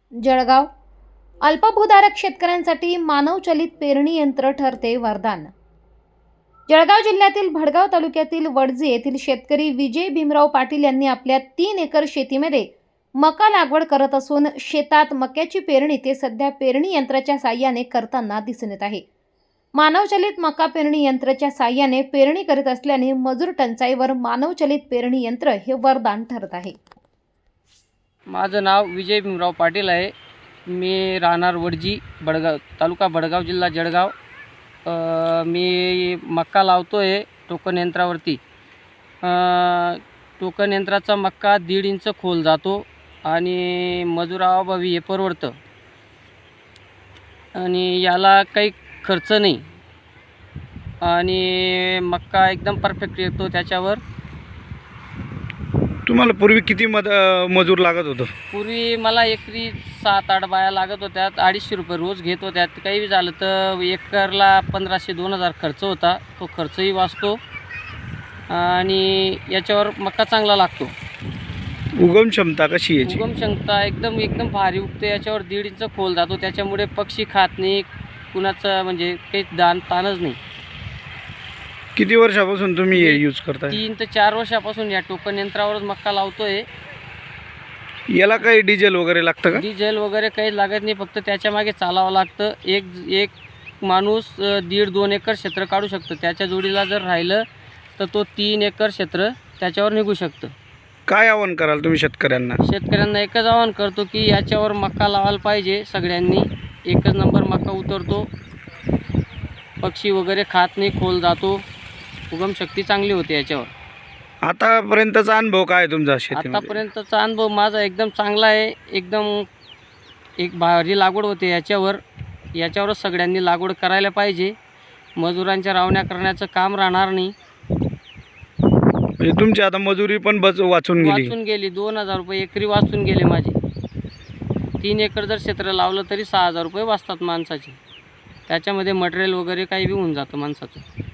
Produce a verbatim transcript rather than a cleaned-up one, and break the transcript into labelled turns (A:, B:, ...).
A: जळगाव अल्पभूधारक शेतकऱ्यांसाठी मानवचलित पेरणी यंत्र ठरते वरदान। जळगाव जिल्ह्यातील भडगाव तालुक्यातील वडजे येथील शेतकरी विजय भीमराव पाटील यांनी आपल्या तीन एकर शेतीमध्ये मका लागवड करत असून शेतात मक्याची पेरणी ते सध्या पेरणी यंत्राच्या साहाय्याने करताना दिसून येत आहे। मानवचलित मका पेरणी यंत्राच्या साहाय्याने पेरणी करीत असल्याने मजूर टंचाईवर मानवचलित पेरणी यंत्र हे वरदान ठरत आहे।
B: माझं नाव विजय भीमराव पाटील आहे। मी राहणार वडजी, बडगाव तालुका बडगाव, जिल्हा जळगाव। अ, मी मक्का लावतो आहे टोकन यंत्रावरती। अ, टोकन यंत्राचा मक्का दीड इंच खोल जातो आणि मजुराअभावी हे परवडतं आणि याला काही खर्च नाही आणि मक्का एकदम परफेक्ट येतो त्याच्यावर।
C: तुम्हाला पूर्वी किती मद मजूर लागत होतं?
B: पूर्वी मला एकरी सात आठ बाया लागत होत्या, अडीचशे रुपये रोज घेत होत्या। काही झालं तर एकरला पंधराशे दोन हजार खर्च होता, तो खर्चही वाचतो आणि याच्यावर मक्का चांगला लागतो।
C: उगम क्षमता कशी आहे याची?
B: उगम क्षमता एकदम एकदम भारी उगते। याच्यावर दीड इंच खोल जातो, त्याच्यामुळे पक्षी खात नाही, कुणाचं म्हणजे काही दान ताणच नाही।
C: किती वर्षापासून तुम्ही हे यूज करताय?
B: तीन ते चार वर्षापासून या टोकन यंत्रावरच मक्का लावतोय।
C: याला काही डिझेल वगैरे लागतं का?
B: डिझेल वगैरे काही लागत नाही, फक्त त्याच्या मागे चालावं लागतं। एक एक माणूस दीड दोन एकर क्षेत्र काढू शकतो। त्याच्या जोडीला जर राहिलं तर तो तीन एकर क्षेत्र त्याच्यावर निघू शकतं।
C: काय आवाहन कराल तुम्ही शेतकऱ्यांना?
B: शेतकऱ्यांना एकच आवाहन करतो की याच्यावर मक्का लावायला पाहिजे सगळ्यांनी। एकच नंबर मक्का उतरतो, पक्षी वगैरे खात नाही, खोल जातो, उगम शक्ती चांगली होते याच्यावर।
C: आतापर्यंतचा अनुभव काय आहे तुमचा शेतीमध्ये?
B: आतापर्यंतचा अनुभव माझा एकदम चांगला आहे। एकदम एक भारी लागवड होते याच्यावर। याच्यावरच सगळ्यांनी लागवड करायला पाहिजे, मजुरांच्या रावण्या करण्याचं काम राहणार नाही।
C: म्हणजे तुमची आता मजुरी पण बच वाचून गेली?
B: वाचून गेली, दोन हजार रुपये एकरी वाचून गेले माझे। तीन एकर जर क्षेत्र लावलं तरी सहा हजार रुपये वाचतात माणसाचे, त्याच्यामध्ये मटेरियल वगैरे काही बी होऊन जातं माणसाचं।